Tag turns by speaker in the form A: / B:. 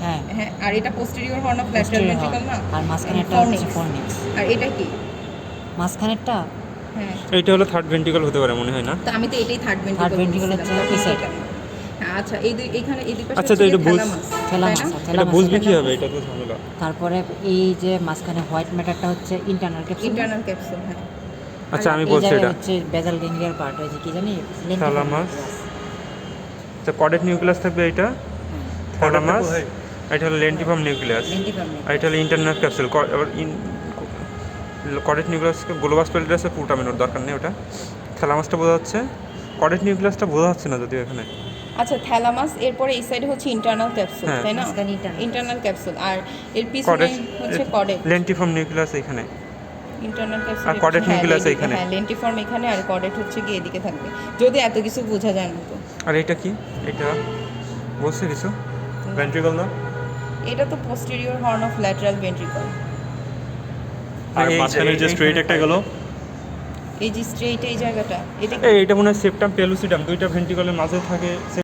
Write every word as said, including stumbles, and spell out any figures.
A: হ্যাঁ
B: হ্যাঁ, আর এটা posterior horn of lateral
A: Posterior
B: ventricle
A: horn,
B: না?
A: আর মাঝখানেরটা হচ্ছে ফর্নিক্স।
B: আর এটা কি?
A: মাঝখানেরটা
B: হ্যাঁ,
C: এইটা হলো থার্ড ভেন্ট্রিকল হতে পারে মনে হয় না?
B: তো আমি তো এটাই থার্ড
A: Third
B: ভেন্ট্রিকল
A: ventricle
B: বলছিলাম,
A: হচ্ছে
B: তখন
A: এই side।
B: এটা না। হ্যাঁ, আচ্ছা এই দুই এখানে এই দুই পাশে
C: আচ্ছা, তো
B: হচ্ছে
C: এটা বুঝ-
B: থ্যালামাস,
A: থ্যালামাস,
B: তাই না?
A: আচ্ছা।
C: এটা
A: thalamus,
C: বুঝবি
A: thalamus।
C: কিভাবে? এটা তো ঝামেলা।
A: তারপরে এই যে মাঝখানে হোয়াইট ম্যাটারটা হচ্ছে ইন্টারনাল ক্যাপসুল।
B: ইন্টারনাল ক্যাপসুল, হ্যাঁ।
C: আচ্ছা, আমি
A: এই
C: বলছি
A: জায়গায়
C: এটা
A: হচ্ছে বেজাল গ্যাংলিয়ার পার্ট, ওই যে কি জানি
C: Thalamus। তো কডেট নিউক্লিয়াস থাকবে এটা, থ্যালামাস। এটা হলো লেন্টিফর্ম নিউক্লিয়াস, আর এটা হলো ইন্টারনাল ক্যাপসুল। এবার কডেট নিউক্লিয়াসকে গ্লোবাস পেলিটাসে পুটামিনোর দরকার নেই, ওটা থ্যালামাসটা বোঝা যাচ্ছে। কডেট নিউক্লিয়াসটা বোঝা যাচ্ছে না যদিও এখানে।
B: আচ্ছা, থ্যালামাস, এরপরে এই সাইডে হচ্ছে ইন্টারনাল ক্যাপসুল,
C: হ্যাঁ।
B: তাই না?
A: মাঝখানে internal।
B: ইন্টারনাল ক্যাপসুল, আর এর পিছনে
C: কডেট
B: হচ্ছে কডেট।
C: লেন্টিফর্ম নিউক্লিয়াস এখানে,
B: ইন্টারনাল ক্যাপসুল
C: আর caudate nucleus
B: এখানে,
C: এইখানে।
B: হ্যাঁ, লেন্টিফর্ম এখানে, আর কডেট হচ্ছে গিয়ে এদিকে থাকবে, যদি এত কিছু বোঝা যায় না তো।
C: আর এটা কি? এটা বলছে কিছু ভেন্ট্রিকল না?
B: এটা তো posterior horn of lateral ventricle.
D: আর
C: এই যে-
D: মাঝখানে যে
C: এই-
D: স্ট্রেট একটা গেল,
B: এই যে স্ট্রেইট এই জায়গাটা, এটা কি?
C: এই এটা মনে হয় সেপ্টাম পেলুসিডাম, দুইটা ভেন্ট্রিকলের মাঝে থাকে।